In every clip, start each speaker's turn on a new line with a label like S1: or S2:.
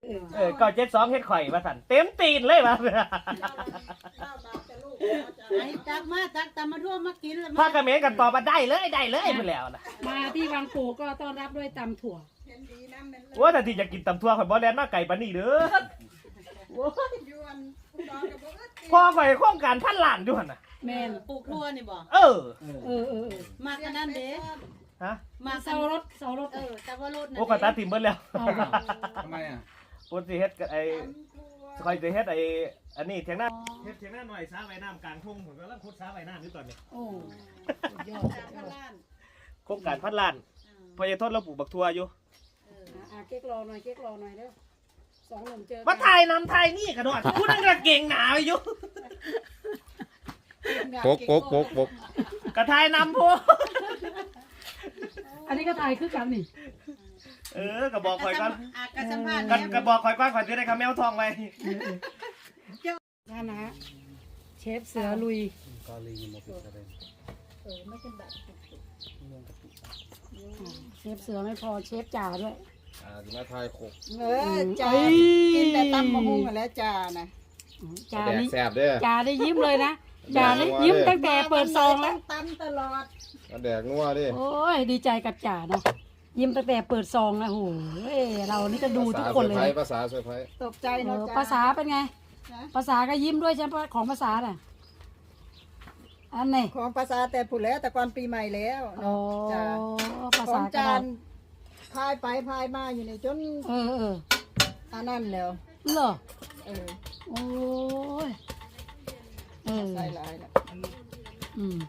S1: เก้าเจ็ดสองเฮ็ดข่อยมาสั่นเต็มตีนเลยมา
S2: ไอ้ตักมาตักตามมาร่วมมากินแล้ว
S1: พากระเมนกันต่อมาได้เลยไปแล้วนะ
S3: มาที่วังปู่ก็ต้อนรับด้วยตำถั่ว
S1: ว่าแต่ที่จะกินตำทั่วข่อยบ่แลนมาไก่ปานนี้เด้อพ่อข่อยโครงการพันล้านอยู่หั่นน่ะ
S3: แม่น
S2: ปลูกทั่วนี่บ่
S1: เออ
S2: มากันนั่นเด้
S1: ฮะ
S2: มาเสารถแต่ว่ารถนั่น
S1: โอ้ก็ตัดทิ่มเบิดแล้ว
S4: ทำไมอ่ะ
S1: โอ้สิเฮ็ดไอ้ข่อยสิเฮ็ดอันนี้เถียงหน้าเฮ็ดเถียงหน้าหน่อยสาว่ายน้ำกลางทุ่งผมกำลังขุดสาว่ายน้ำอยู่ตอนนี้
S3: โอ้ยอด
S1: โครงการพันล้านพอจะทดเราปลูกบักทั่วอยู่
S3: เก๊กรอหน่อยเด้อสองหนุ่มเจอ
S1: มาถ่ายนำถ่ายนี่กระโดดพูดนั่งกระเก่งหนาอยู่
S4: ปก
S1: กระถ่ายนำพวก
S3: อันนี้ก็ตายคือกันนี่
S1: กระบอกข่อยก่อน
S2: กระสัมภาษณ์
S1: กระบอกข่อยก่อนข่อยจะได้คำแมวทองไป
S3: นั่นนะฮะเชฟเสือลุย
S4: กาลีมาปิดอะไร
S2: ไม่เป็นแบบ
S3: เชฟเสือไม่พอเชฟจ่าด้วย
S4: จะมาทายโคก
S2: จ้ากินแต่ตำมะฮุ่งแล้วจ้านะ
S3: จ่า
S4: แดก
S3: นี่
S4: แสบเด้อ
S3: จ่าได้ยิ้มเลยนะจ่าได้ยิ้มตั้งแต่เปิดซองแล้ว
S2: ตำตลอด
S4: แดกนัวดิ
S3: โอ้ยดีใจกับจ่าเนาะยิ้มตั้งแต่เปิดซองนะโหเรานี่ก็ดูทุกคนเลย
S4: ภาษาเซอร์ไพรส์
S2: ตกใจเนาะจ้า
S3: ภาษาเป็นไง ภาษาก็ยิ้มด้วยใช่ไหมของภาษาน่ะอันไหน
S2: ของภาษาแต่ผุแล้วแต่ก่อนปีใหม่แล้ว
S3: โอ้ภา
S2: ขอ
S3: ษาง ก็
S2: จา
S3: ได้
S2: นพายไปพายมาอยู่ในจน อันนั้นแล้ว
S3: เหรอ
S2: เออ
S3: โอ้ย
S2: ใส่ลายแล้ว
S3: อืม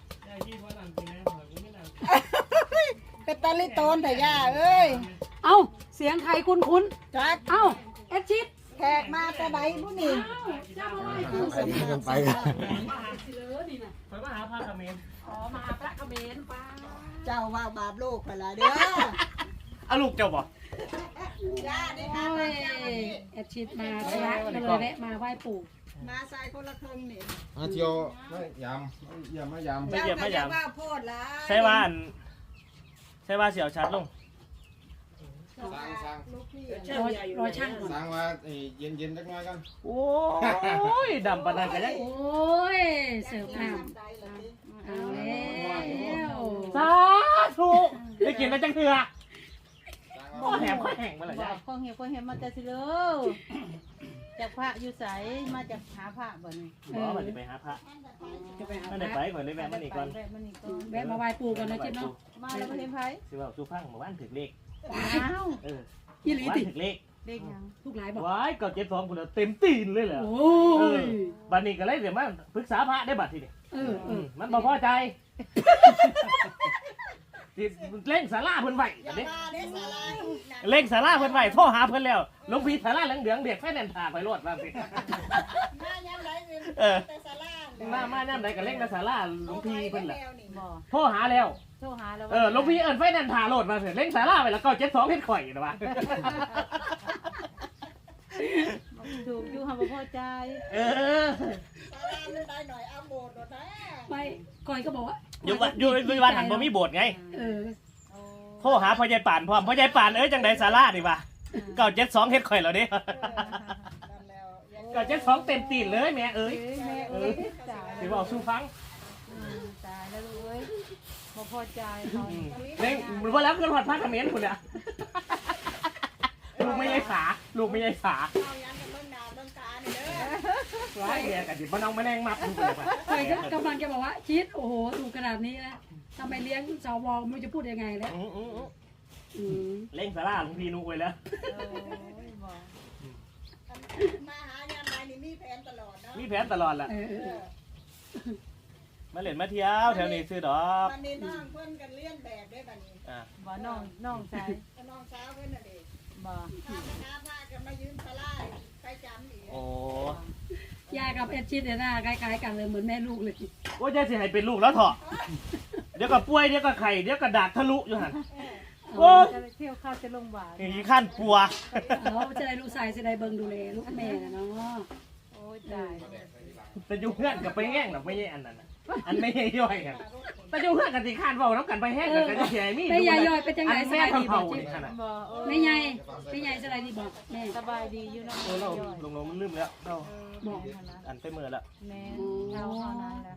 S2: เป็นตาลิโตนแต่ย่าเอ้ย
S3: เอ้าเสียงใครคุ้น
S2: จัก
S3: ๆเอ้าเอดชิด
S2: แขกมาแต่ไหนผู้นี่
S4: ไปกันไปกัน
S1: ข่อยมาหาพาคาเมน
S3: อ๋อมาพระเขมรป้า
S2: เจ้าว่าบาปโลกไปละเด้อ
S1: เอาลูกเจ้าบ่
S2: ย่าได้
S3: โอ้
S2: มาย
S3: เอดชิดมาพระก็เลยแวะมาไหว้ปู่
S2: มาใส่คนละครึ่งนี่
S4: มาเที่ยวไม่ยำอย่ามายำ
S1: ไม่เยี่ยมไม่ยาม
S2: เจ้าก็จะว่าโพดละ
S1: ใช่ว่าเสียวชัดลง
S4: สร้าง
S2: ลูกพี่
S3: รอช่างก่อน
S4: สร้างว่าเย็นๆจักหน่อยกัน
S1: โอ้ยดำปานนั้นกันยัง
S3: โอ้ยเสิร์ฟน้ำเอาแล้ว
S1: สาธุได้กินแล้วจังเถื่อข้อแหมข้อแห้งมาเลย
S2: บ
S1: จ้ะ
S2: อกของเห็นมาแต่สิเลยจากพระอยู่ใสมาจากหาพระบ่นี่
S1: บ่มันจะไปหาพระ
S3: จะไปหา
S1: มัน
S3: พ
S1: ได้
S3: ระ
S1: ไปก่อนได้แวะมันอีกก่อน
S2: แวะมันอีกก่อน
S3: แวะมาไหว้ปู่กันนะชิดเนาะ
S2: มาแล้วมาเห็นไผ
S1: สิว่าสู้ฟังเมื่อวานถึกเลข
S2: อ้าว
S3: ยี่หลี
S1: วัน
S3: ติ
S1: ถึกเลข
S2: เด็กยัง
S3: ทุกหลายบอก
S1: ว้ายก็72พุ่นแล้วเต็มตีนเลยเหรอ
S3: โอ้ย
S1: บัดนี้ก็เลยเดี๋ยวมาปรึกษาพระได้บัดทีนี้ มันบ่พอใจสิเล่งศาลาเพิ่นไว้อันนี้
S2: มาได้สาลาย
S1: เล่งศาลาเพิ่นไว้โทรหาเพิ่นแล้วหลวงพี่ศาลาเหลืองๆเด็กไฟแนนซ์ถ่าไปรวดว่าสิ
S2: มาย้ำไรเงินแต่สาลา
S1: มาย่ำใดก็เล่งในศาลาหลวงพี่เพิ่นล่ะ
S2: บ่
S1: โทรหาแล้ว
S2: โทรหาแล้ว
S1: หลวงพี่เอิ้นไฟแนนซ์ถ่าโลดมาเถอะเล่งศาลาไว้แล้วก็72เฮ็ดข่อยนะว่า
S2: ถูกอยู่หาบ่พอใจ
S1: เออ
S2: สาลามันได้หน่อยเอาโบดนะ
S3: ไม่ก่อยก็บอกว่า
S1: อยู่วัดหันบ่มีโบสถ์ไง
S3: เออ
S1: โทรหาพ่อใหญ่ป่านพร้อมพ่อใหญ่ป่านจังได๋ศาลานี่ว่า972เฮ็ดข่อยแล้วเด้972เต็มตีนเลยแม่เอ้ย
S2: แม่เอ้ยตาย
S1: สิเว้าสู่ฟัง
S2: ตายแล้วลูกเอ้ยบ่พอใจเขา
S1: เล่งบ่แล้วขึ้นฮอดพระเขมรพุ่นน่ะลูกไม่ใช่สา
S2: เอายันกันเบิ่งหน้าเบิ่งตานี่เด้อ
S1: ร้ายแย่กันดิบ่น้องแมลงมัดลูกเลยว่ะ
S3: ก่อยก็กำลังจะบอกว่าชิดโอ้โหถูกขนาดนี้นะทำไมเลี้ยงสวไม่รู้จะพูดยังไงแล้ว
S1: เล่งศาลาหลวงพี่นุ้ยแล้ว
S2: มาหายามใดนี่มีแผนตลอดเนาะ
S1: มีแผนตลอดล่ะ มาเล่นมาเที่ยวแถวนี้ซื้อดอก
S2: วันนี้น้องเพิ่นกันเลี้ยนแบบได้บัดนี้
S5: บ่น้องชาย
S2: น้องสาวเพิ่นน่ะเด้
S5: บ่
S2: พาคณะพากันมายืมสลายไปจำอีก
S1: โอ้
S3: ยายกับเอ็ดชิดเนี่ยหน้าคล้ายๆกันเลยเหมือนแม่ลูกเลย
S1: ว่าจะสิให้เป็นลูกแล้วเถอะเดี๋ยวก็ป่วยเดี๋ยวก็ไข่เดี๋ยวก็ดากทะลุอยู่หั่นโอ้ย
S5: จะไปเที่ยวเข้าจะโรงพยาบาล
S1: อย่างนี้ขั้นปัว
S3: จะได้ลูกชายจะได้เบิ่งดูแลลูกแม่นะเนาะ
S5: โอ้ยตาย
S1: แต่อยู่เพื่อนกับไปแง่งหรอกไม่ใช่อันนั้นน่ะ
S5: ไป
S1: อันไม่ย่อยกันแต่เจ้าเพื่อนกันสิคานเว้าน้ำกันไปแห้งกันจะเสียมี
S3: แม่ยายย่อยเป็นจังไดส
S1: แม่
S3: บายดีบ่
S1: เผา
S3: จิ
S1: นี่ขนาด
S5: บ่
S3: แม่ใหญ่แม่ใหญ่สบายดีบ่แม่
S5: สบายดีอยู่เนาะ
S1: เราลงมันลืมแล้วเรา
S3: บอก
S1: อันไปมือแล้ว
S5: แม่เท่านั้นแหละ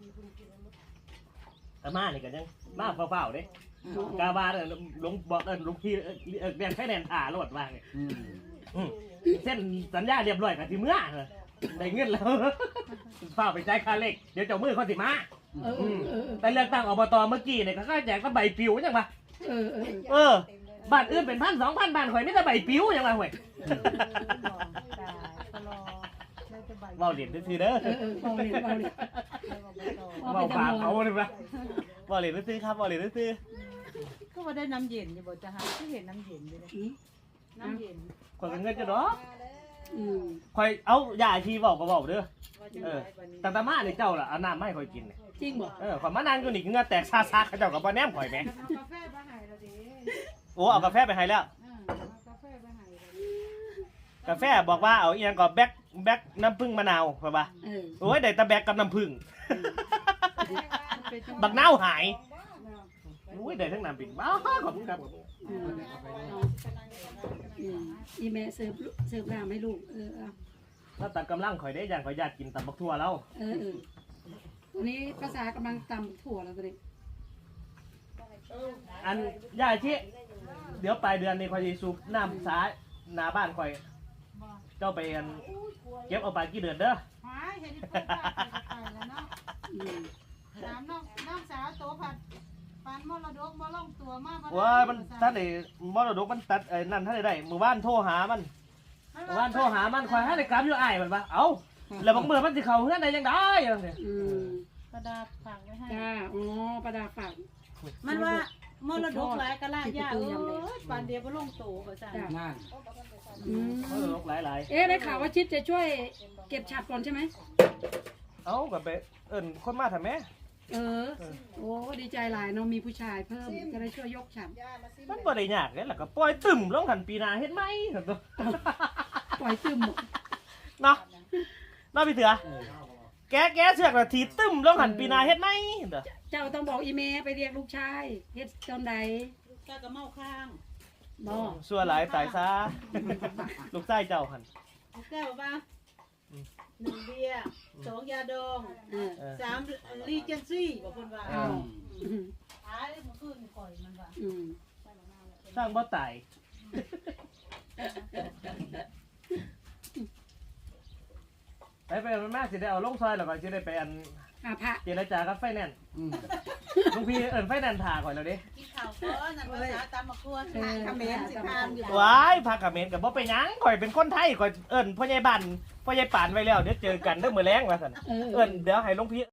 S1: แต่มานี่กันยังมาเฝ้าๆเด้กาบาเนี่ยลงบอกลุงพี่เรียนแค่แนนถ่าโลดว่าไงเส้นสัญญาเรียบร้อยกันที่เมื่อได้เงินแล้วเฝ้าไปจ่ายค่าเลขเดี๋ยวเจ้ามือเขาสิมาแต่เลือกตั้งอบตเมื่อกี้เนี่ยเขาแจกก็ใบปลิวยังปะบ้านอื่นเป็น1,000-2,000บ้านข่อยไม่ได้ใบปลิวยังไงห่วย
S5: ตายตลอดเลยจะใบ
S1: เว้าเหรียญซื้อเด้อ
S3: เบาเลยเบาเลย
S1: เว้าฝากเขาเลยปะเว้าเหรียญซื้อครับเว้าเหรียญซื้อ
S5: ก็ว่าได้น้ำเย็นอยู่บ่จะหาที่เห็นน้ำเย็นอยู่เลยน้ำเย็น
S1: ข่อยก็เงินจะดอก
S3: อืม
S1: ข่อยเอายาชีบอกก็บอกเด้อ
S5: ว่าจะได้บัดนี้
S1: แต่ตามาเนี่ยเจ้าล่ะเอาน้ำมาให้ข่อยกินเนี่ย
S3: จริงบ่
S1: ข่อยมานั่งอยู่นี่เหงื่อแตกซาๆเขาเจ้ากับบ่แนมข่อยแหม
S5: เอากาแฟมาให้เราดิ
S1: โอ้เอากาแฟไปให้แล้ว
S5: เอากาแฟมาให้เราดิ
S1: กาแฟบอกว่าเอาอีหยังก็แบกน้ำผึ้งมะนาวไปป่ะโอ้ยได้แต่แบกกับน้ำผึ้งบักนาวหายโอ้ยได้ทั้งน้ำผึ้งบ้าขอบคุณครับ
S3: อีแม่เสิร์ฟน้ำให้ลูก
S1: ถ้าตัดกำลังข่อยได้อย่างข่อยอยากกินตับบักทั่วแล้ว
S3: ตัวนี้ภาษากำลังตำถั่วแล้วตัวนี้
S1: อันยายที่เดี๋ยวปลายเดือนนี้ข่อยจะสูบน้ำสาหน้าบ้านข่อยเจ้าไปอันเก็บเอาไปกี่เดือนเด้อ
S5: หายเห็นที่เพิ่นไปแล้วเนาะถามน้องสาวโตผัดปานมรดกบ่ลงตัวมาก
S1: ว่ามันท่านไอ้มรดกมันตัดไอ้นั่นท่านได้หมู่บ้านโทรหามันหมู่บ้านโทรหามันข่อยให้ได้กลับอยู่อ้ายมันปะเอ้าแล้วบางเมื่อมันสิเข้าเฮือนได้ยังได้จังซี่
S5: กระดาษฝากไว้ให้
S3: จ้าอ๋อประดาฝาก
S5: มันว่ามรดกหลายกะลายาปานเดียวบ่ลงตัวว่าซั่น
S4: นั่น
S1: มรดกหลาย
S3: ได้ข่าวว่าชิดจะช่วยเก็บฉัดก่อนใช่ไหม
S1: ๆเอ้าก็ไปเอิ้นคนมาทำแม่
S3: โอ้ดีใจหลายเนาะมีผู้ชายเพิ่มจะได้ช่วยยกฉัด
S1: มันบ่ได้ยากเด้ล่ะก็ปล่อยตึมลงหันปีหน้าเฮ็ดไหมซั่นตัว
S3: ปล่อยตึม
S1: เนาะพี่เถือแกเสือกน่ะถีตึมลงหันปีหน้าเฮ็ดไหมเด้อ
S3: เจ้าต้องบอกอีเมไปเรียกลูกชายเฮ็ดตอนใด
S5: กะเมาข้าง
S3: บ่
S1: ชั่วหลายตายซะลูกชายเจ้าหั่น
S5: แก้วป่ะ1เบียร์2ยาดอง3รีเจนซี่บอกเพิ่นว่าหายเมื่อคืนก่อยมันว่า
S1: สร้างบ่ตายไปมันมาสิได้เอาลงซอยแล้วก็สิได้ไปอัน
S3: พระ
S1: เจรจากับไฟแนนซ์ลุงพี่เอิ้นไฟแนนซ์ถ่าก่อนแล้วดิ
S5: กินข้าวก่อนนั่นภาษาตามมาครัวคำเมนสิทานอยู่
S1: ว้ายพากับเมนกับบ่ไปหยังข่อยเป็นคนไทยข่อยเอิ้นพ่อใหญ่บ้านพ่อใหญ่ป่านไว้แล้วเดี๋ยวเจอกันเด้อมื้อแลงว่าซั่นเอิ้นเดี๋ยวให้หลวงพี่